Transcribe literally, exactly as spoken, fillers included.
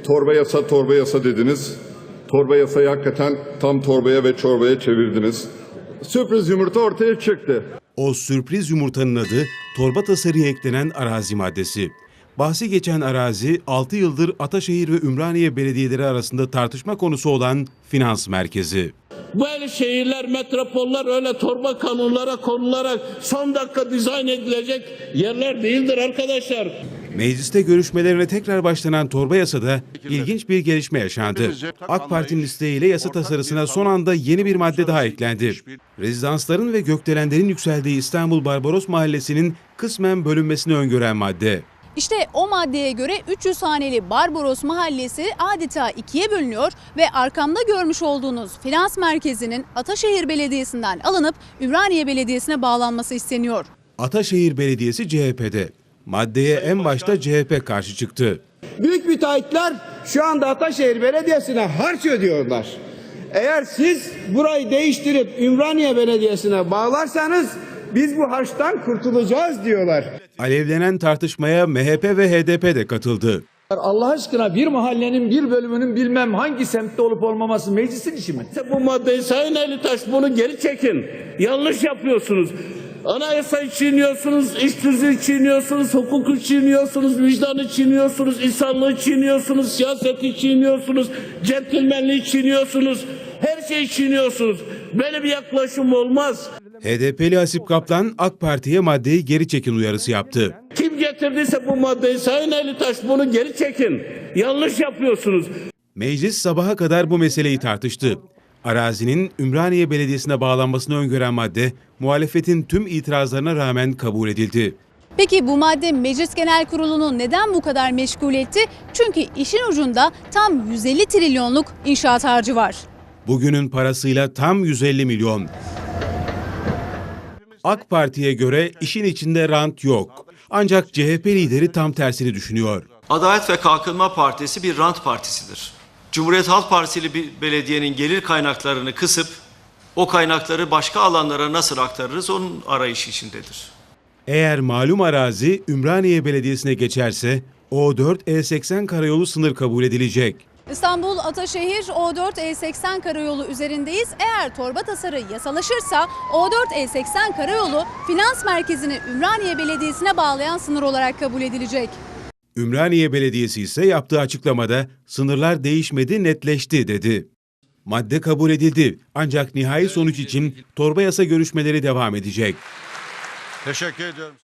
torba yasa torba yasa dediniz. Torba yasayı hakikaten tam torbaya ve çorbaya çevirdiniz. Sürpriz yumurta ortaya çıktı. O sürpriz yumurtanın adı torba tasarıya eklenen arazi maddesi. Bahsi geçen arazi altı yıldır Ataşehir ve Ümraniye belediyeleri arasında tartışma konusu olan finans merkezi. Böyle şehirler, metropoller öyle torba kanunlara konularak son dakika dizayn edilecek yerler değildir arkadaşlar. Mecliste görüşmelerine tekrar başlanan torba yasada ilginç bir gelişme yaşandı. AK Parti'nin isteğiyle yasa tasarısına son anda yeni bir madde daha eklendi. Rezidansların ve gökdelenlerin yükseldiği İstanbul Barbaros Mahallesi'nin kısmen bölünmesini öngören madde. İşte o maddeye göre üç yüz haneli Barbaros Mahallesi adeta ikiye bölünüyor ve arkamda görmüş olduğunuz finans merkezinin Ataşehir Belediyesi'nden alınıp Ümraniye Belediyesi'ne bağlanması isteniyor. Ataşehir Belediyesi C H P'de. Maddeye en başta C H P karşı çıktı. Büyük müteahhitler şu anda Ataşehir Belediyesi'ne harç ödüyorlar. Eğer siz burayı değiştirip Ümraniye Belediyesi'ne bağlarsanız biz bu harçtan kurtulacağız diyorlar. Alevlenen tartışmaya M H P ve H D P de katıldı. Allah aşkına bir mahallenin bir bölümünün bilmem hangi semtte olup olmaması meclisin işi mi? Bu maddeyi Sayın Elitaş bunu geri çekin. Yanlış yapıyorsunuz. Anayasayı çiğniyorsunuz, iş tüzüğü çiğniyorsunuz, hukuku çiğniyorsunuz, vicdanı çiğniyorsunuz, insanlığı çiğniyorsunuz, siyaseti çiğniyorsunuz, centilmenliği çiğniyorsunuz, her şeyi çiğniyorsunuz. Böyle bir yaklaşım olmaz. H D P'li Hasip Kaplan AK Parti'ye maddeyi geri çekin uyarısı yaptı. Kim getirdiyse bu maddeyi Sayın Elitaş bunu geri çekin. Yanlış yapıyorsunuz. Meclis sabaha kadar bu meseleyi tartıştı. Arazinin Ümraniye Belediyesi'ne bağlanmasını öngören madde, muhalefetin tüm itirazlarına rağmen kabul edildi. Peki bu madde Meclis Genel Kurulu'nu neden bu kadar meşgul etti? Çünkü işin ucunda tam yüz elli trilyonluk inşaat harcı var. Bugünün parasıyla tam yüz elli milyon. AK Parti'ye göre işin içinde rant yok. Ancak C H P lideri tam tersini düşünüyor. Adalet ve Kalkınma Partisi bir rant partisidir. Cumhuriyet Halk Partili bir belediyenin gelir kaynaklarını kısıp o kaynakları başka alanlara nasıl aktarırız onun arayışı içindedir. Eğer malum arazi Ümraniye Belediyesi'ne geçerse O dört E seksen karayolu sınır kabul edilecek. İstanbul Ataşehir O dört E seksen karayolu üzerindeyiz. Eğer torba tasarı yasalaşırsa O dört E seksen karayolu finans merkezini Ümraniye Belediyesi'ne bağlayan sınır olarak kabul edilecek. Ümraniye Belediyesi ise yaptığı açıklamada sınırlar değişmedi, netleşti dedi. Madde kabul edildi ancak nihai sonuç için torba yasa görüşmeleri devam edecek. Teşekkür ediyorum.